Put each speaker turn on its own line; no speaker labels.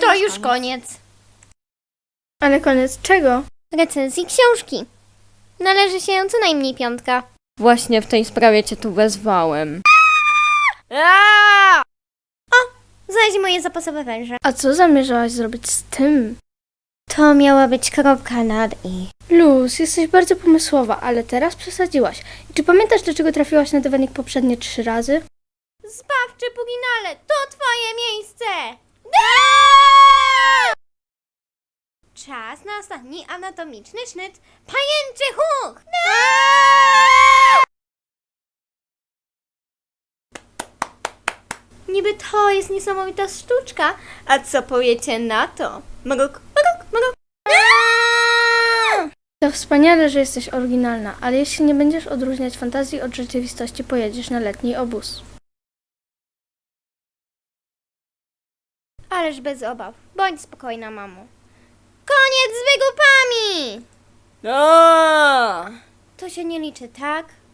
To już koniec.
Ale koniec czego?
Recenzji książki. Należy się co najmniej 5.
Właśnie w tej sprawie cię tu wezwałem.
Znaleźć moje zapasowe węże.
A co zamierzałaś zrobić z tym?
To miała być kropka nad i.
Luz, jesteś bardzo pomysłowa, ale teraz przesadziłaś. I czy pamiętasz, dlaczego trafiłaś na dywanik poprzednie 3 razy?
Zbawczy Puginale, to twoje miejsce! Czas na ostatni anatomiczny sznyt. Pajęczy huk! Niby to jest niesamowita sztuczka, a co powiecie na to? Magok.
To wspaniale, że jesteś oryginalna, ale jeśli nie będziesz odróżniać fantazji od rzeczywistości, pojedziesz na letni obóz.
Ależ bez obaw. Bądź spokojna, mamo. Koniec z wygłupami! To się nie liczy, tak?